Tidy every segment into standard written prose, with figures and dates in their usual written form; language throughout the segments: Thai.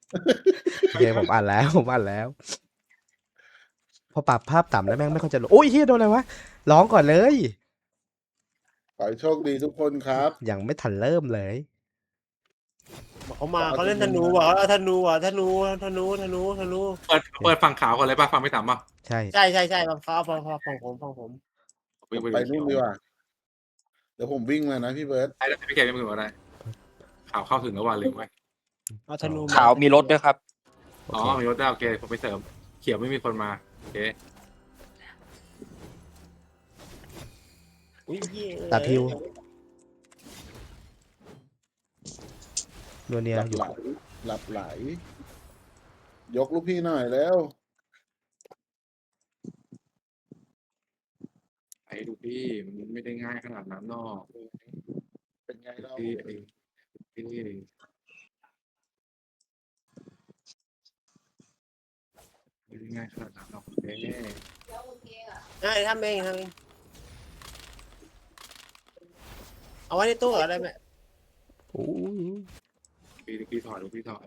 โอเคผมอ่านแล้วผมอ่านแล้ว พอปรับภาพต่ำแล้วแม่งไม่ค่อยจะรู้โอ้ยเฮียโดนอะไรวะร้องก่อนเลยขอให้โชคดีทุกคนครับยังไม่ทันเริ่มเลยบอกเขามาเขาเล่นธนูบอกว่าธนูอ่ะธนูเปิดฝั่งขาวก่อนเลยป่ะฝั่งไม่ต่ำป่ะใช่ใช่เขาฟังผมวิ่งไปนู่นดีกว่าเดี๋ยวผมวิ่งมานะพี่เบิร์ตได้พี่เกมไม่ถึงก็ได้ขาวเข้าถึงแล้วว่าลืมไว้เอาธนูขาวมีรถด้วยครับโออ๋อเคมีรถได้โอเคผมไปเสริมเขียวไม่มีคนมาโอเคอุ้ยเหี้ยตัดฮิวโดนเนียหลับอยู่ไหลหลับไหล ยกลูกพี่หน่อยแล้วไอ้ดูพี่มันไม่ได้ง่ายขนาดนั้นหรอกเป็นไงเราพี่ไอ้พี่ไม่ได้ง่ายขนาดนั้นหรอกเอ๊ะได้ทำเองเอาไว้ในตู้อะไรไหมโอ้ยพี่ถอยดูพี่ถอย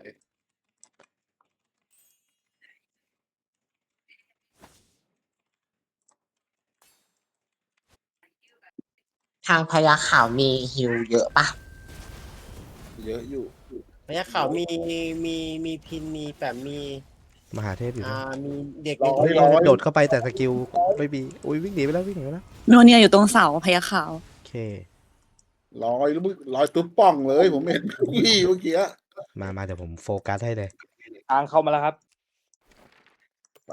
ทางพญาขาวมีฮิวเยอะปะเยอะอยู่พญาขาวมีพินมีแบบมีมหาเทพอยู่นะมีเด็กโดดเข้าไปแต่สกิลไม่มีอุ้ยวิ่งหนีไปแล้ววิ่งหนีไปแล้วโนเนียอยู่ตรงเสาพญาขาวโอเคลอยแล้วมึงลอยตุ๊บป่องเลย ผมเห็นพี่เมื่อกี้มาเดี๋ยวผมโฟกัสให้เลยทางเข้ามาแล้วครับไป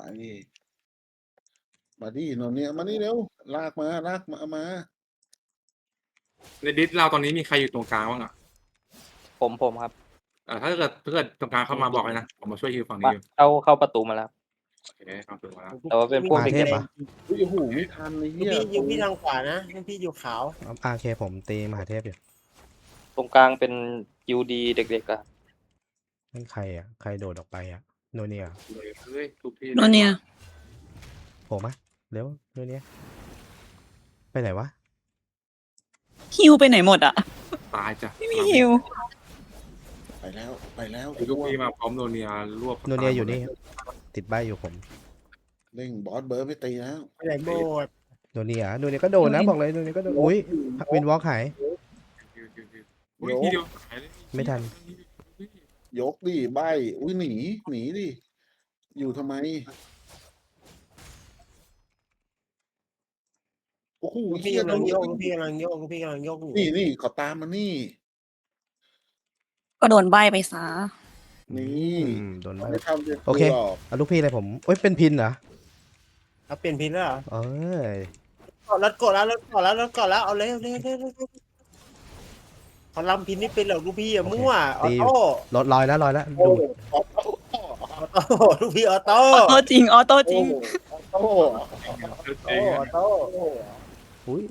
มาดิโนเนี่ยมานี่เร็วลากมามาในดิสเราตอนนี้มีใครอยู่ตรงกลางบ้างอ่ะผมครับถ้าเกิดตรงกลางเข้ามาบอกเลยนะผมมาช่วยฮิวฝั่งนี้อยู่เข้าประตูมาแล้วโอเคเข้าถึงมาแล้วแต่ว่าเป็นพวกมาเด็กเทพเหรออุ้ยโอ้โหไม่ทันเลยพี่เฮียอยู่พี่ทางขวานะพี่อยู่ขาวโอเคผมตีมหาเทพอยู่ตรงกลางเป็นยูดีเด็กๆอะนั่นใครอ่ะใครโดดออกไปอ่ะโนเนียเฮ้ยทุกที่โนเนียโผล่มาเร็วโนเนียไปไหนวะฮิวไปไหนหมดอ่ะตายจ้ะไม่มีฮิวไปแล้วไปแล้วทุกที่มาพร้อมโนเนียรวบโนเนียอยู่นี่ครับติดใบอยู่ผมเร่งบอสเบิร์ดไม่ตีแล้วไปไหนโบดโนเนียก็โดนนะบอกเลยโนเนียก็โดนอุ้ยวินวอล์กหายอุ้ยทีเดียวไม่ทันยกดิใบอุ้ยหนีดิอยู่ทำไมโอ้โหพี่เฮียกำลังโยกพี่กำลังโยกนี่ขอตามมานี่ก็โดนใบไปซะนี่โดนใบไม่ทำเป็นโอเคหรอกเอาลูกพี่เลยผมเอ้ยเป็นพินเหรอเอาเปลี่ยนพินแล้วเหรอเอ้ยรถกดแล้วเอาเลยเขาลำพินนี่เป็นเหรอลูกพี่อะมั่วออโต้รถลอยแล้วดูดลูกพี่ออโต้ออโต้จริง ออโต้จริงโอ้ออโต้อุ้ย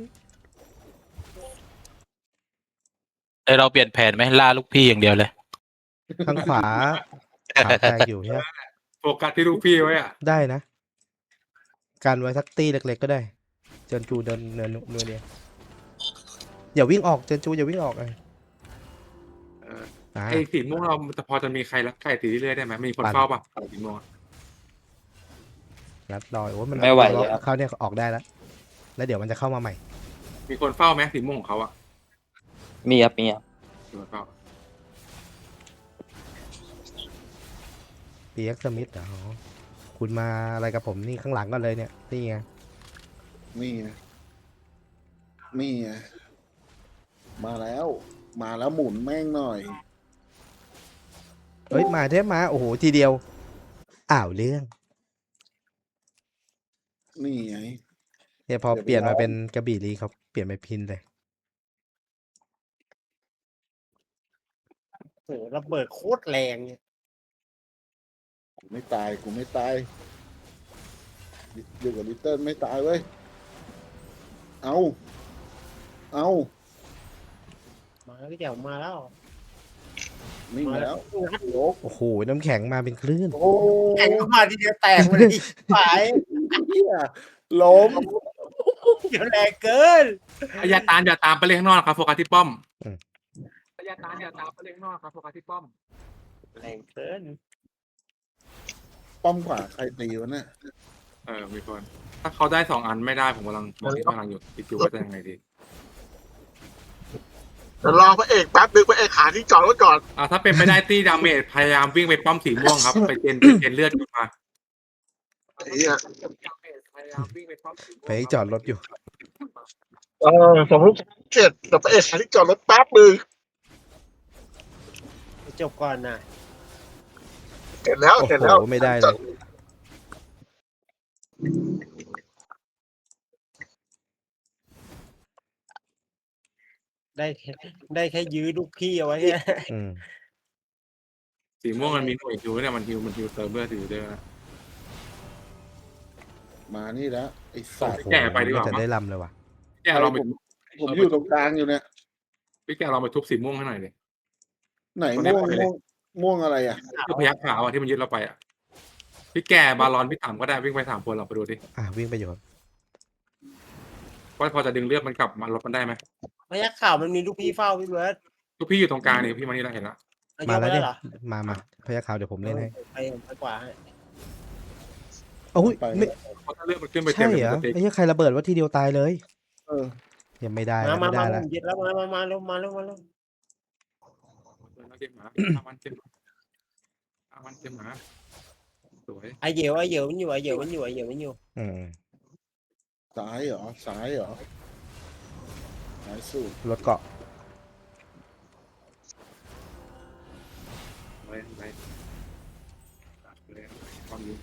เราเปลี่ยนแผนไหมล่าลูกพี่อย่างเดียวเลยข้างขวาขาแตกอยู่ใช่ไหมโฟกัสที่ลูกพี่ไว้อ่ะได้นะการไว้สักตีเล็กๆก็ได้เจินจูเดินเนินเนี่ยอย่าวิ่งออกเจินจูอย่าวิ่งออกเลยอ่าไอ้สีม่วงเราจะพอจะมีใครรักไก่ตีเรื่อยได้ไหมมีคนเฝ้าป่ะสีม่วงรัดรอยโอ้ยมันไม่ไหวแล้วเขาเนี่ยออกได้แล้วเดี๋ยวมันจะเข้ามาใหม่มีคนเฝ้าไหมสีม่วงของเขาอ่ะมีครับมีคนเฝ้าปีเอ็กซ์สมิธเหรอคุณมาอะไรกับผมนี่ข้างหลังกันเลยเนี่ยนี่ไงนี่ไงมาแล้วหมุนแม่งหน่อยเฮ้ยมาเทพมาโอ้โหทีเดียวอ้าวเรื่องนี่ไงเนี่ยพอเดี๋ยวไปเปลี่ยนมาลองเป็นกระบี่ลีเขาเปลี่ยนไปพินเลยโหระเบิดโคตรแรงเนี่ยกูไม่ตายอยู่กับลิตเติ้ลไม่ตายเว้ยเอามาแล้วพี่แจ๋วมาแล้วนี่มาแล้วยกโอ้โหน้ำแข็งมาเป็นคลื่นโอ้แข่งมาทีเดียวแตกเลยฝ่ายเหี้ยล้มเดี๋ยวแรงเกินอย่าตามไปเล่นข้างนอกครับโฟกัสที่ป้อมอืมอย่าตามไปเล่นข้างนอกครับโฟกัสที่ป้อมแรงเกินป้อมขวาใครตีวะเนี่ยมีคนถ้าเขาได้2 อันไม่ได้ผมกำลังมองที่กำลังอยู่คิดอยู่ว่าจะยังไงดีเดี๋ยวรอพระเอกแป๊บนึงพระเอกหาที่จอดรถก่อนถ้าเป็นไปได้ตีดาเมจพยายามวิ่งไปป้อมสีม่วงครับ ไปเจนเลือดขึ้นมาไอ้เหี้ยไปจอดรถอยู่สมมติเสร็จแต่พระเอกหาที่จอดรถแป๊บนึงจบก่อนนะเสร็จแล้วโอ้เสร็จโหแล้วไม่ได้เลยได้แค่ยื้อลูกพี่เอาไว้เนี่ยอืมสีม่วงมันมีหน่วยฮิวเนี่ยมันฮิวเติมเลือดอยู่ด้วยนะมานี่แล้วไอ้สัตว์แกะไปดีกว่าจะได้ลำเลยว่ะพี่แกเราไปผมอยู่ตรงกลางอยู่เนี่ยพี่แกเราไปทุบสีม่วงให้หน่อยเลยไหนคนนี้ม่วงไปเลยม่วงอะไรอ่ะคือพยักขาวที่มันยึดเราไปพี่แกบาลอนพี่ต่ำก็ได้วิ่งไป3 คนเราไปดูดิวิ่งไปอยู่ครับว่าพอจะดึงเลือดมันกลับมาลดมันได้ไหมพยักข่าวมันมีลูกพี่เฝ้าพี่เบิร์ดทุกพี่อยู่ตรงกลางนี่พี่มานี่เราเห็นแล้วเอามาเยอะไปแล้วได้เนี่ยเหรอมาพยัคฆ์ขาวเดี๋ยวผมเล่นให้ไปกว่าให้โอ้ยไปไม่เพราะถ้าเลือดมันขึ้นไปเต็ใช่มเหรอมันจะไอ้เหี้ยใครระเบิดว่าทีเดียวตายเลยเออยังไม่ได้มาไม่ได้แล้วยึดแล้วมาเร็วมาเร็วเก็บหมามันเก็บหมาสวยไอเหยวมันอยู่อืมซ้ายเหรอซ้ายเหรอซ้ายสุดรถเกาะไว้ความยิง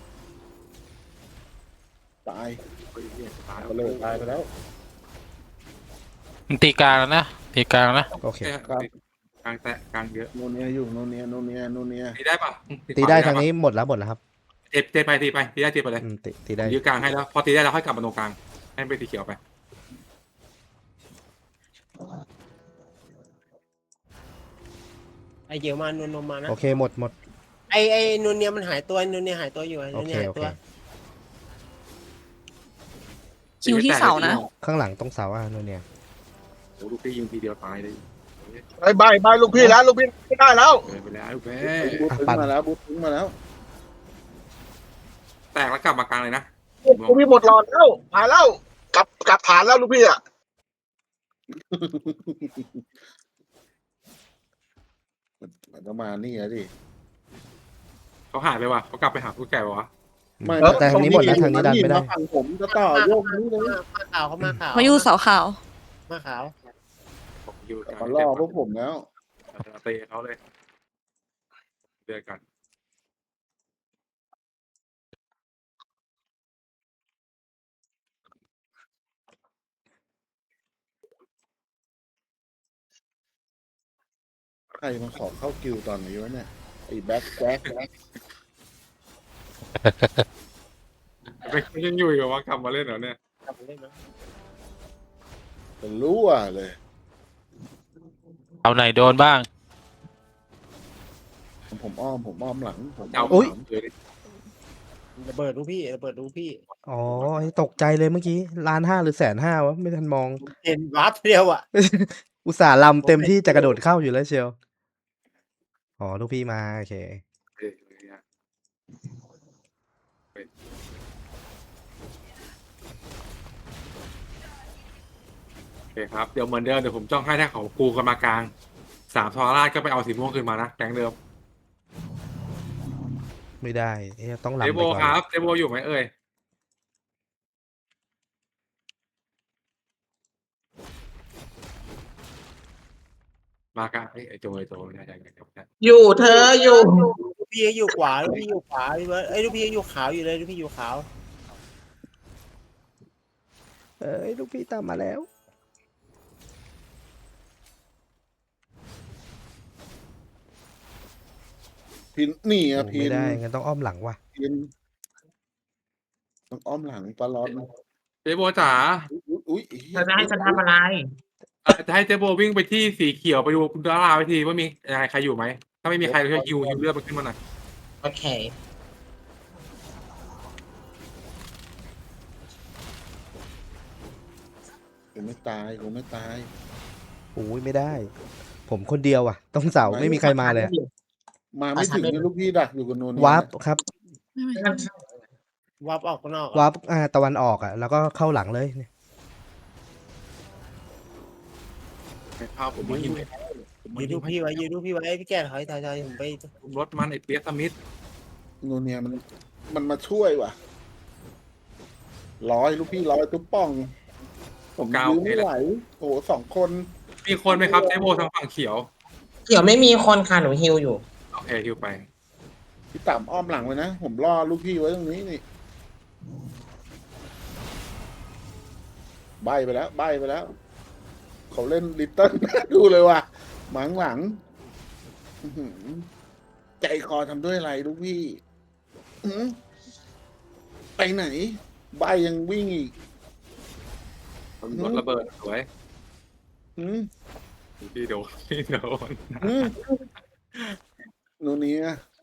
ตายตายไปเลยตายไปแล้วมันตีกลางแล้วนะตีกลางนะโอเคกลางแตะกลางเยอะโนเนียอยู่โนเนียตีได้ปะตีได้ทางนี้หมดแล้วครับเจ็บไปตีได้เจ็บไปเลยตีได้ยื้อกลางให้แล้วพอตีได้แล้วค่อยกลับมาตรงกลางให้ไปตีเขียวไปไอเหยวมานวลมานะโอเคหมดไอนูนเนียมันหายตัวนูนเนียหายตัวอยู่โอนูนเคเนียหายโอตัเควคิวที่เสานะข้างหลังตรงเสาโน่นเนี่ยโอ้ลูกพี่ยิงทีเดียวตายเลยบายลูกพี่แล้วลูกพี่ไม่ได้แล้วไปแล้วลูกพี่บูทถึงมาแล้วบูทถึงมาแล้วแตกแล้วกลับมากลางเลยนะลูกพี่หมดหลอดแล้วมาแล้วกลับฐานแล้วลูกพี่อ่ะมันก็มานี่อะดิเขาหายไปว่ะเขากลับไปหาผู้แก่วะไม่แต่ทางนี้หมดแล้วทางนี้ดันไม่ได้มาฝั่งผมจะต่อโยกนี้เลยมาขาวเขามาขาวเขาอยู่เสาขาวมาขาวผมอยู่กลางมาล่อพวกผมแล้วเตะเขาเลยเดือกันใครมาขอเข้ากิวตอนนี้วะเนี่ยไอ้แบ็คแจ็คไม่ยังอยู่อีกว่ากลับมาเล่นเหรอเนี่ยกลับมาเล่นนะเป็นรั่วเลยเอาไหนโดนบ้างผมอ้อมหลังผมเอาอุ๊ยระเบิดลูกพี่อ๋อตกใจเลยเมื่อกี้1,500,000 หรือ150,000วะไม่ทันมองเห็นวาร์ปเดียวอ่ะอุตส่าห์ลำเต็มที่จะกระโดดเข้าอยู่แล้วเชียวอ๋อลูกพี่มาโอเคโอเคครับเดี๋ยวเหมือนเดิมเดี๋ยวผมจ้องให้ถ้าเขาปูกันมากลาง3 ทรราชก็ไปเอาสีม่วงขึ้นมานะแก๊งเดิมไม่ได้ต้องลำเดไปโบก่อนครับเดโบอยู่ไหมเอ่ยมากลางไอ้โจใช่อยู่เธออยู่ลูกพี่อยู่ขวาพี่เบิร์ดลูกพี่อยู่ขาวอยู่เลยลูกพี่อยู่ขาวลูกพี่ตามมาแล้วพินนี่อะโอ้พิไม่นได้งั้นต้องอ้อมหลังว่ะพินต้องอ้อมหลังปลาร้อนเดโบจ๋าอุ้ยเธอจะให้ฉันทำอะไรจะให้เจโบวิ่งไปที่สีเขียวไปดูคุณดาราไปทีว่ามีอะไรใครอยู่ไหมถ้าไม่มีใครก็ฮิวเลือดมันขึ้นมาหน่อยโอเคกูไม่ตายโอ้ยไม่ได้ ผมคนเดียวอ่ะต้องเสาไม่มีใครมาเลยอะมาไม่ถึงเนี่ยลูกพี่ดักอยู่กับโนนวาร์ปครับวับออกข้างนอกวาร์ปตะวันออกอ่ะแล้วก็เข้าหลังเลยเนี่ยไปพาผมมาหิวผมมายืนหิดูวให้พี่ไว้ยืนดูพี่ไว้พี่แก่ถอยผมไปรถมันไอ้เปียกสมิธโนเนียมันมาช่วยว่ะร้อยลูกพี่ร้อยตุ๊บป่อง ผมยื้อไม่ไหวโอ้โห2 คนมีคนไหมครับเจโบทางฝั่งเขียวเขียวไม่มีคนค่ะหนูฮิวอยู่โอเคฮิวไปพี่ต่ำอ้อมหลังไว้นะ ผมล่อลูกพี่ไว้ตรงนี้นี่ใบไปแล้วเขาเล่นลิตเติ้ล ดูเลยว่ะหมังหลังอื้อหือใจคอทำด้วยอะไรลูกพี่อื้อไปไหน ใบยังวิ่งอีกรถระเบิดสวยอื้อพี่โดนพี่โดนอื้อโนเนีย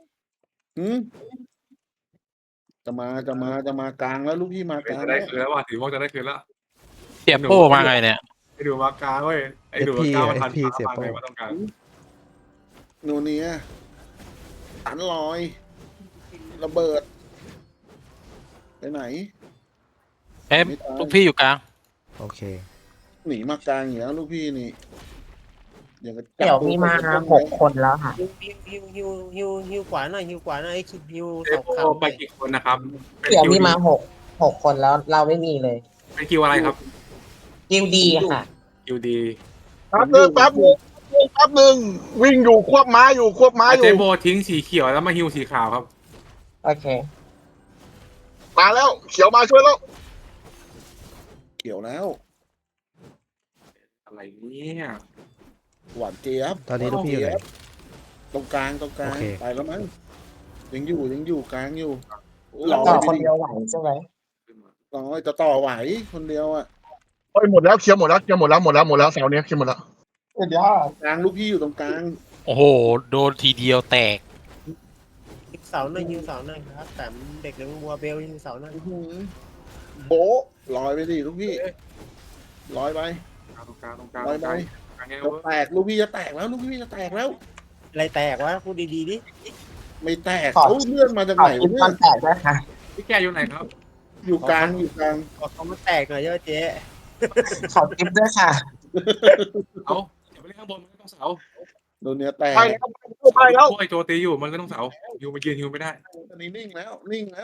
จะมากลางแล้วลูกพี่มากลางจะได้แล้วคืนแล้วว่ะถือว่าจะได้คืนแล้วเสียโป้มาไงเนี่ยไอ้ดูมากลางเว้ยไอ้ดูมากลางมันทันฟ้าฟังไงว่าต้องการโนเนียตันลอยระเบิดไปไหนเอ๊ะลูกพี่อยู่กลางโอเคหนีมากลางอย่างแล้วลูกพี่นี่อย่างกับจับเขียวมีมาตัว 6 คนแล้วค่ะฮิวขวาหน่อยฮิวขวาหน่อยฮิวเจสองโบคำไปกี่คนนะครับเป็นเขียวคิวมีดีมา6 คนแล้วเราไม่มีเลยเป็นคิวอะไรครับฮิวดีค่ะคิวดีแป๊บนึงวิ่งอยู่ควบม้าอยู่เจโบทิ้งสีเขียวแล้วมาฮิวสีขาวครับโอเคมาแล้ว เขียวมาช่วยแล้วเกี่ยวแล้วอะไรเนี่ยหวานเจี๊ยบตอนนี้ลูกพี่อยู่ไหนตรงกลางโอเคไปแล้วมั้งยังอยู่กลางอยู่ต่อคนเดียวไหวใช่ไหมร้อยจะต่อไหวคนเดียวอ่ะโอ้ยหมดแล้วเคลียร์หมดแล้วเสาเนี้ยเคลียร์หมดแล้วสุดยอดกลางลูกพี่อยู่ตรงกลางโอ้โห โดนทีเดียวแตกฮิวเสาหน่อยฮิวเสาหน่อยครับแต่เด็กเลี้ยงวัวเบลฮิวเสาหน่อยอื้อหือโบ๊ะลอยไปดิลูกพี่ลอยไปตรงกลางตรงกลางลอยไปกลางไงจะเว้ยแตกลูกพี่จะแตกแล้วลูกพี่จะแตกแล้วอะไรแตกวะพูดดีๆดิไม่แตกเขาเลื่อนมาจากขอไหนคิดเนี่ตอย นแตกด้วยค่ะพี่แกอยู่ไหนครับอยู่กลางอยู่กลางบอกเขามาแตกหน่อยเยอะเจ๊ขอคลิปด้วยค่ะเอาอย่าไปเล่นข้างบนมันก็ต้องเสาโดนเนื้อแตกไปแล้วโอ้ยโจตีอยู่มันก็ต้องเสาอยู่มายืนฮิวไม่ได้อันนี้นิ่งแล้วนิ่งแล้ว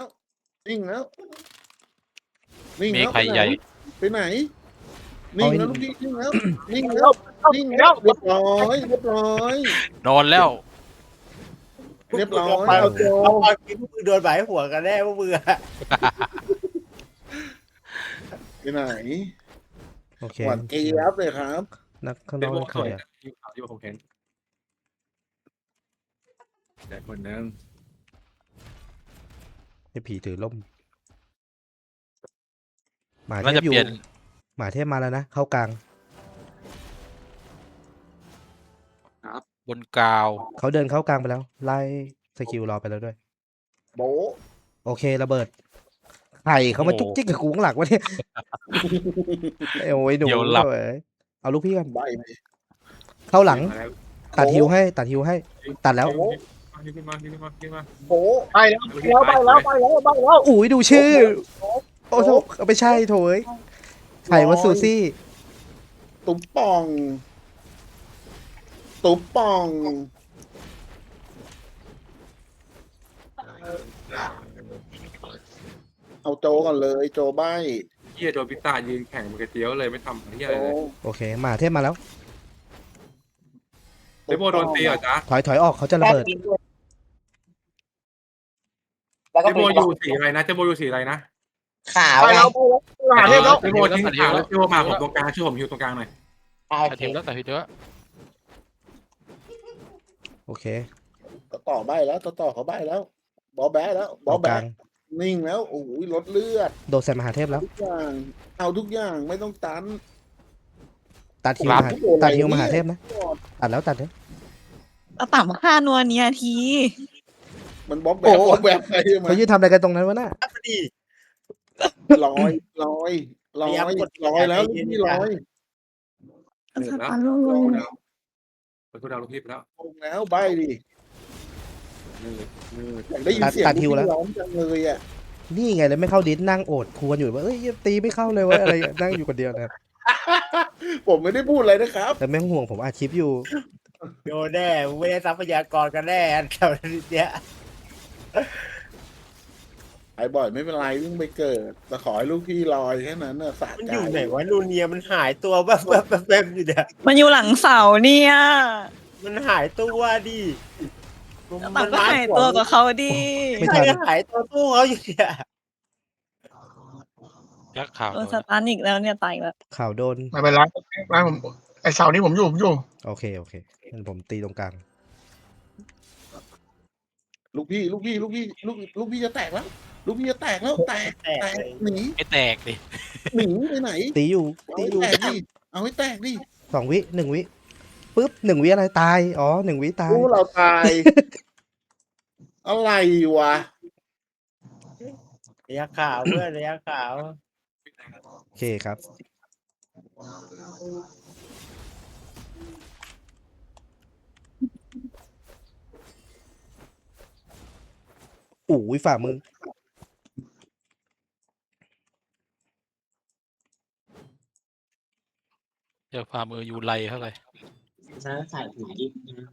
มีใครใหญ่ไปไหนนิ่งแล้วลูกพี่นิ่งแล้วนิ่งแล้วเรียบร้อยนอนแล้วเอาโจเอาตอนกินมือโดนใบหัวกันแน่ว่ามือไปไหนโอเคหวานเจี๊ยบเลยครับนักข้างเจนอกโบนั่นสใครวยอ่ะฮิวขาวที่ผมเห็นแต่คนนึงไอ้ผีถือล่มหมาเทน่าพจะอยู่เปลี่ยนหมาเทพมาแล้วนะเข้ากลางบนกาวเขาเดินเข้ากลางไปแล้ว ไล่สกิลรอไปแล้วด้วยโบ๊ะโอเคระเบิดไข่เขามาจุกจิกกับกูข้างหลังวะเนี่ยโอ้ยหนูเว้ยเอาลูกพี่กันใบไปเข้าหลังมาแล้วตัดฮิวให้ตัดแล้วฮิวขึ้นมาโบ๊ะไปแล้วอุ้ยดูชื่อ โอ้โหไม่ใช่โถยไข่มาซูซี่ตุ๊บป่องเอาโจก่อนเลยโจใบเฮียโดนพิตายืนแข่งมือกระเจียวเลยไม่ทำเฮียโจอะไรเลยโอเคหมาเทพมาแล้วเจโบโดนตีเหรอจ๊ะถอยออกเขาจะระเบิดแล้วเจก็โบอยู่สีอะไรนะเจโบอยู่สีอะไรนะขาวไปไงแล้วหาเทพแล้วเจโบทิ้งขาวแล้วเจโบมาผมตรงกลางช่วยผมฮิวตรงกลางหน่อยโอตัดเคทีมแล้วตัดทีมแล้วโอเคต่อใบแล้วต่อเขาใบแล้วบอแบะแล้วบอเอากแบะลางนิ่งแล้วโอ้ยลดเลือดโดดใส่มหาเทพแล้วทุกอย่างเอาทุกอย่างไม่ต้องตันตัดฮิวมหาเทพนะตัดแล้วตัดเลยเอาต่ำค่านัวเนียทีมันบอแบะไปมาเขายืนทำอะไรกันตรงนั้นวะน่ะพอดีลอยแล้วลูกพี่ลอยเหนื่อยแล้วอารมณ์ไปคุณดาวลูกพี่ไปแล้วลงแล้วใบดิอยากได้ยินเสียงตัดฮิวแล้วร้องจังเลยอ่ะนี่ไงเลยไม่เข้าดิสนั่งโอดครวญอยู่ว่าเอ้ยตีไม่เข้าเลยเวะอะไรนั่งอยู่คนเดียวนะผมไม่ได้พูดอะไรนะครับแต่แม่งห่วงผมอัดคลิปอยู่โดนแน่มึงไม่ได้ทรัพยากรกันแน่แถวเนี้ยไอ้บ่อยไม่เป็นไรวิ่งไปเกิดแต่ขอให้ลูกพี่ลอยแค่นั้นน่ะสะมันใจอยู่ไหนวะลูเนียมันหายตัวแบบอยู่เนี่ยมันอยู่หลังเสาเนี่ยมันหายตัวดิต่างก็หายตัวกับเขาดิไม่ใช่ทันหายตัวตู้เขาอยู่เนี่ยยักษ์ขาวโดนสตันอีกแล้วเนี่ยตายอีกแล้วข่าวโดนไม่เป็นไรไม่ผมไอเสาร์นี้ผมอยู่โอเคงั้นผมตีตรงกลางลูกพี่จะแตกแล้ว ลูกพี่จะแตกแล้วแตกหนีไม่แตกดิหนีไปไหนตีอยู่เอาตีให้อยู่แตกดิเอาให้แตกดิ 2 วิ 1 วิปุ๊บ1 วิอะไรตายอ๋อ1 วิตายรู้เราตาย อะไรวะระยะขาวเพื่อนระยะขาวโอเคครับ ฝ่ามือเจอฝ่ามือยูไลเท่าไหร่ฉันใส่ถุงยี่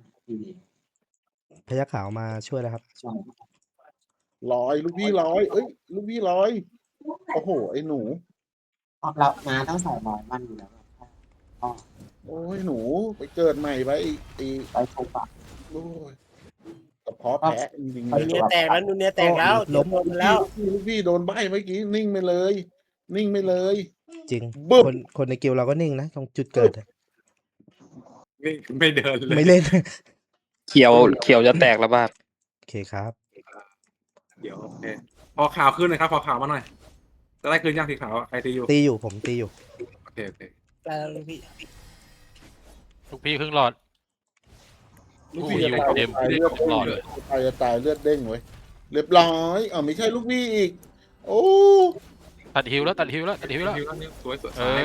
พยัคฆ์ขาวมาช่วยแล้วครับลอยลูกพี่ลอยเอ้ยลูกพี่ลอยโอ้โหไอ้หนูเราน้าต้องใส่ร้อยมันอยู่แล้วโอ้ยหนูไปเกิดใหม่ไปไอ้ไปทุบอ่ะโอ้ยกระเพาะแพ้จริงๆนูเลยเนียแตกแล้วนูเนียแตกแล้วล้มโดนแล้วลูกพี่โดนใบเมื่อกี้นิ่งไปเลย นิ่งไปเลยจริงบึ้มคนในกิลด์เราก็นิ่งนะตรงจุดเกิดอะนี่ไม่เดินเลยไม่เล่นเขียวจะแตกแล้วบ้างโอเคครับเดี๋ยวโอเคพอข่าวขึ้นนะครับพอข่าวมาหน่อยจะได้คืนย่างสีขาวใครตีอยู่ตีอยู่ผมตีอยู่โอเคแต่ลูกพี่ลูกพี่ครึ่งหลอดลูกพี่จะตายเต็มตายเลือดตลอดเลยตายเลือดเด้งไว้ยเรียบร้อยไม่ใช่ลูกพี่อีก โอ้ตัดฮิวแล้วฮิวแล้วสวยเออ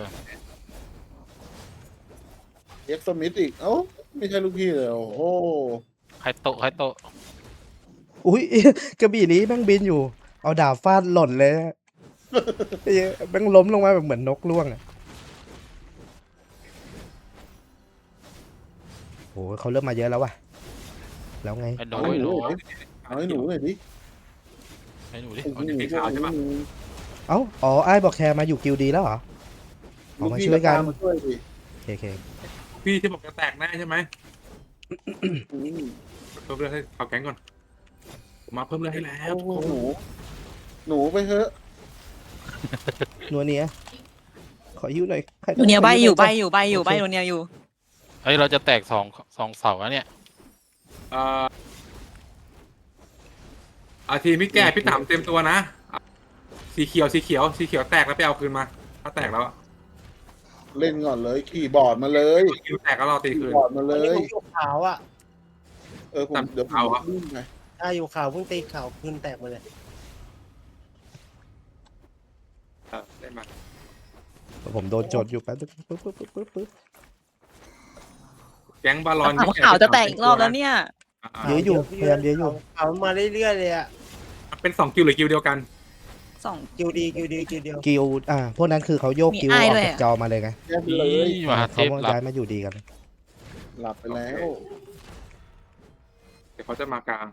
เอ็กซ์มิธอีกเอ้าไม่ใช่ลูกพี่เลยโอ้โหใครโตะอุ้ย กระบี่นี้แม่งบินอยู่ เอาดาบฟาดหล่นเลยอะ ไอ้เหี้ยแม่งล้มลงมาแบบเหมือนนกล่วงอ่ะโอ้เขาเริ่มมาเยอะแล้วว่ะ แล้วไงไอ้หนูเอาให้หนูหน่อยดิไอ้หนูดิเอาให้หนูดิอ๋อไอ้บอกแคร์มาอยู่กิลด์ดีแล้วเหรอ ออกมาช่วยกันมาช่วยดิโอเคพี่ที่บอกจะแตกแน่ใช่ไหมอืมเพิ่มเลือดให้เขาแก๊งก่อนมาเพิ่มเลือดให้แล้วโอ้โหหนูไปเถอะนัวเนียขอยิ้วหน่อยใครก็นูเนียใบขอยู่วใบหน่อยู่ใบอยู่โอใบเคนูเนียอยู่เฮ้ยเราจะแตกสองเสาแล้วเนี่ยทีมพี่แก่พี่ต่ำเต็มตัวนะสีเขียวแตกแล้วไปเอาคืนมาถ้าแตกแล้วเล่นก่อนเลยขี่บอร์ดมาเลยคิวแตกก็รอตีขี่คืนบอร์ดมาเลอันนี้ยผมอยู่ขาวอ่ะเดี๋ยวผมเอาเหรอวิ่งไปถ้าอยู่ขาวเพิ่งตีขาวขึ้นแตกมาเลยได้มาผมโดนโจทย์อยู่แป๊บนึงปึ๊บแก๊งบาลอนต่างขาวจะแตกอีกรอบแล้วเนี่ยเยอะอยู่พยายามเยอะอยู่ขาวมาเรื่อยๆเลยอ่ะเป็น2 คิวหรือคิวเดียวกันสองคิวดีเดียวกิลด์พวกนั้นคือเขาโยกมีกิลด์ออ้ายอกด้วยจากอะจอมาเลยไงแยกไปเลยมหาเทเขาพหลับย้ายมาอยู่ดีกันหลับไปแล้วเดี๋ยวเขาจะมากลาง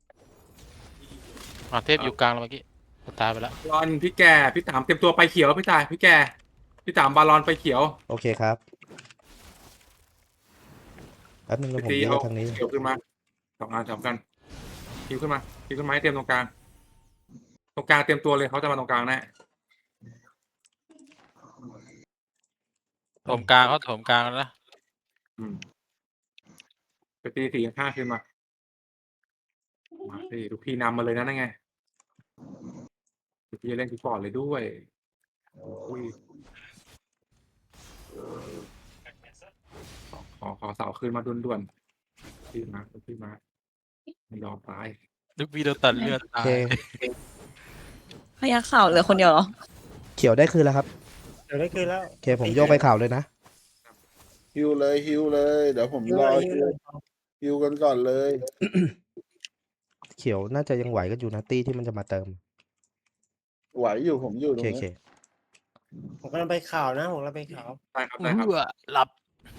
มหาเทพอยู่กลางแล้วเมื่อกี้ตายไปแล้วบาลอนพี่แก่พี่ต่ำเตรียมตัวไปเขียวพี่ตายพี่แก่พี่ต่ำบาลอนไปเขียวโอเคครับแป๊บนึงนะผมตีเยเอาอะทางนี้เขียวขึ้นมา2 อัน2 กันคิวขึ้นมาให้เตรียมตรงกลางเตรียมตัวเลยเขาจะมาตรงกลางแน่โถมกลางเขาโถมกลางแล้วนะไปตี4 5ขึ้นมาสิลูกพี่นำมาเลยนะนั่นไงลูกพี่เล่นที่ก่อนเลยด้วยอุ้ยขอเสาคืนมาด่วนๆพี่มาไม่ยอมตายลูกพี่โดนตัดเลือดโอตายเคพยักข่าวเหลือคนเดียวเหรอเขียวได้คืนแล้วครับเดี๋ยวได้คืนแล้วโอเคผมโยกไปข่าวเลยนะฮิวเลย เดี๋ยวผมรอฮิวกันก่อนเลยเขียวน่าจะยังไหวกันอยู่นะตี้ที่มันจะมาเติมไหวอยู่ผมอยู่โอตรเคงโอเคนี้ผมกำลังไปข่าวนะผมกำลังไปข่าวได้ครับได้ครับหลับ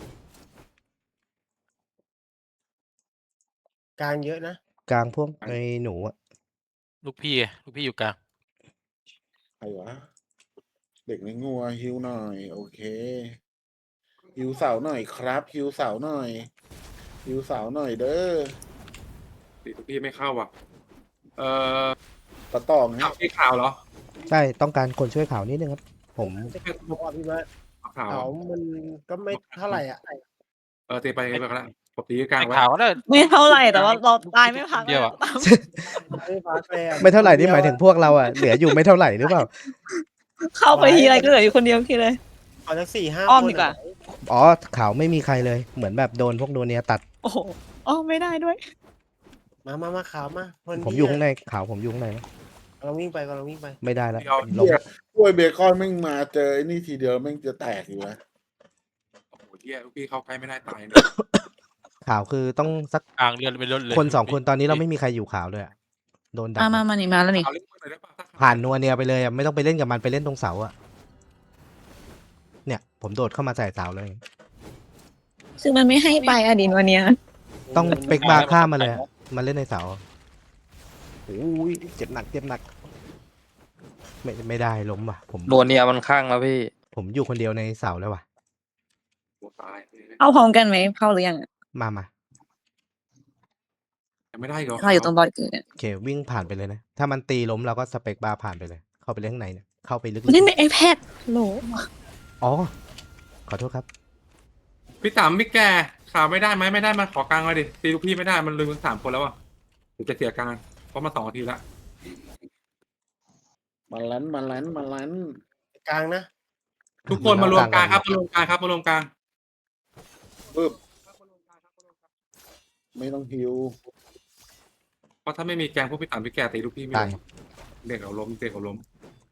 กลางเยอะนะกลางพวกไอ้หนูอะลูกพี่อยู่กลางใครวะเด็กในงัวฮิวหน่อย โอเคฮิวเสาหน่อยครับฮิวเสาหน่อยฮิวเสาหน่อยเด้อตีลูกพี่ไม่เข้าว่ะเออตะตองข่าฮะวที่ข่าวเหรอใช่ต้องการคนช่วยข่าวนิดนึงครับ ผมบอกว่าพี่เบิร์ดข่าวเขามันก็ไม่เท่าไหร่อ่ะตีไปก็แล้วผมตีกลางไอ้ไว้ข่าวก็ได้ไม่เท่าไหร่แต่ว่าเราตายไม่พักเดียวอะตามไม่พักเลยอะไม่เท่าไหร่นี่หมายถึงพวกเราอะเหลืออยู่ไม่เท่าไหร่หรือเปล่าเข้าไปทีไรก็เหลืออยู่คนเดียวทีเลยเอาสัก4-5 อ้อมคนดีกว่าอ๋อข่าวไม่มีใครเลย เหมือนแบบโดนพวกโดนเนียตัดโอ้โหอ้อมไม่ได้ด้วยมาข่าวมาคนผมอยู่ข้างในข่าวผมอยู่ข้างในนะกำลังวิ่งไปกำลังวิ่งไปไม่ได้แล้วเดี๋ยวลงกล้วยเบคอนแม่งมาเจอไอ้นี่ทีเดียวแม่งจะแตกอยู่นะโอ้โหเฮียลูกพี่เข้าใกล้ไม่ได้ตายเลยข่าวคือต้องสักกลางเรือนไปรถเลยคนสองคนตอนนี้เราไม่มีใครอยู่ข่าวเลยอะโดนดักมานี่มาแล้วนี่ข่าวเล่นมือหน่อยได้ป่ะผ่านนัวเนียไปเลยอะไม่ต้องไปเล่นกับมันไปเล่นตรงเสาอะเนี่ย ผมโดดเข้ามาใส่เสาเลยซึ่งมันไม่ให้ไปอะดินวันเนี้ยต้องเป็กบาร์ข้ามมาเลยอะมาเล่นในเสาโอ้ยเจ็บหนักเจ็บหนัก ไม่ได้ล้มว่ะ ผมนวลเนี่ยมันข้างแล้วพี่ผมอยู่คนเดียวในเสาแล้วว่ะตายเข้าพร้อมกันไหมเข้าหรือยังอะมายังไม่ได้เหรอเราอยู่ตรงบอลเกิดเนี่ยโอเควิ่งผ่านไปเลยนะ ถ้ามันตีล้มเราก็สเปกบาร์ผ่านไปเลย เข้าไปเล่นข้างในเนี่ยเข้าไปลึกเล่นใน iPad โหลๆอ๋อ ขอโทษครับพี่ต๋มพี่แกข่าวไม่ได้ไหมไม่ได้มาขอกลางเลยดิตีลูกพี่ไม่ได้มันลืมกัน3 คนแล้วอ่ะผมจะเสียกลางเพราะมา2 นาทีละมาลันมาลันมาลันกลางนะทุกคนมารวมกลางครับมารวมกลางครับมารวมกลางปึ๊บไม่ต้องฮิวเพราะถ้าไม่มีแกงพวกพี่ต๋มพี่แกตีลูกพี่ไม่ตายลงเด็กเอาล้มเด็กเอาล้ม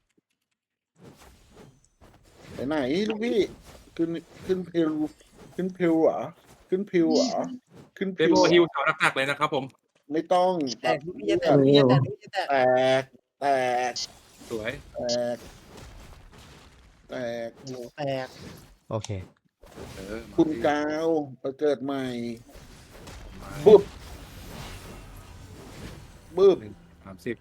ไปไหนลูกพี่ขึ้นพิวขึ้นพิวเหรอขึ้นพิวเหรอขึ้นเดพิวโบเหรอฮิวแถวหนักๆเลยนะครับผมไม่ต้องแตกลูกพี่จะแตกลูกพี่จะแตกลูกพี่จะแตกแตกสวยแตกหนูแตกโอเคคุณกาวมาเกิดใหม่บึบบึบ 30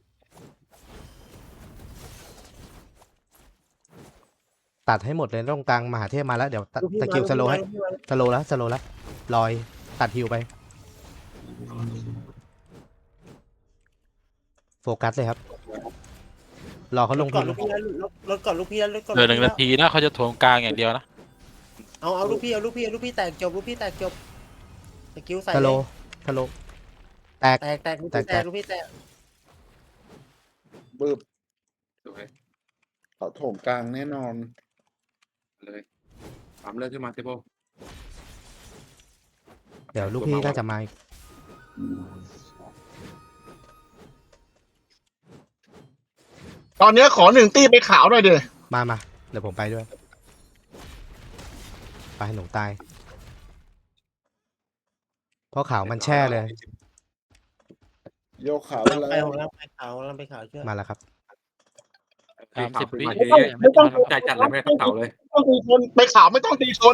ตัดให้หมดเลยตรงกลางมหาเทพมาแล้วเดี๋ยวลูกพี่ตะคิวมาสโลว์ให้ลูกพี่มาสโลว์แล้วสโลว์แล้วลอยตัดฮิวไป โฟกัสเลยครับ รอเขาลงก่ทุอนนลูกพี่แล้วรถก่อนลูกพี่แล้วรถก่อนเหลือ1 นาทีนะเขาจะถ่วงกลางอย่างเดียวนะเอาลูกพี่เอาลูกพี่แตกจบลูกพี่แตกจบสกิลใส่สโลเลยว์สโลว์แตกแตกลูกพี่แตกลูกพี่แตกบึบสวยเขาโถงกลางแน่นอนเลยปั๊มเลือดขึ้นมาเดโบเดี๋ยวลูกพี่น่าจะมาอีกตอนเนี้ยขอ1 ตี้ไปขาวหน่อยเดี๋ยมาเดี๋ยวผมไปด้วย ไปหนูตาย เพราะขาวมันแช่เลยโยกขาวลังแล้ไปวของลังไปขาวลังไปขาวเชื่อมาแล้วครับ 30 วิไม่ต้องใจจัดเลยไม่ได้เต่าเลยไม่ต้องตีชนไปขาวไม่ต้องตีชน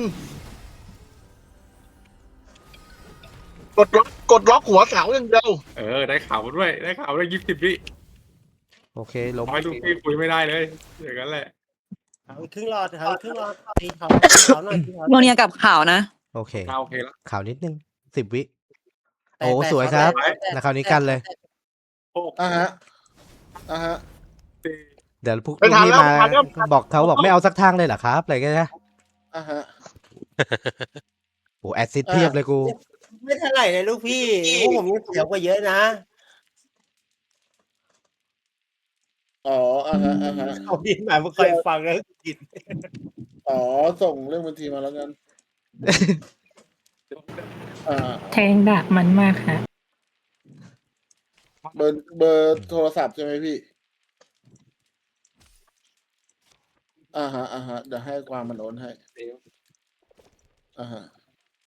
กดล็อกหัวเสาอย่างเดียวได้ข่าวด้วยได้ข่าวด้วย20 วิโอเคล้มน้อยลูกพี่คุยไม่ได้เลยอย่างนั้นแหละขาวอีกครึ่งหลอดขาวอีกครึ่งหลอดตีขาวหน่อยตีขาวโมเนียกับข่าวนะโอเคโอเคแล้วขาวนิดนึง10 วิแตกโอ้แตกสวยครับแตกแตกนะคราวนี้กันเลยอ่ะฮะอ่ะฮะเดี๋ยวพวกไม่ทันพี่แล้วมาไม่ทันแล้วบอกเขาบอกไม่เอาสักทางเลยเหรอครับอะไรกันนะอ่ะฮะโอ้แอดซิดเพียบเลยกูไม่เท่าไหร่เลยลูกพี่พวกผมยังเสียวกว่าเยอะนะอ๋ออ่ะฮะอ่ะฮะเขาดินหมายว่าเคยฟังแล้วกินอ๋อส่งเรื่องบัญชีมาแล้วกันอ่าแทงดะมันมากค่ะเบอร์โทรศัพท์ใช่ไหมพี่อ่าฮะเดี๋ยวให้ความมันโอนให้อ่าฮะ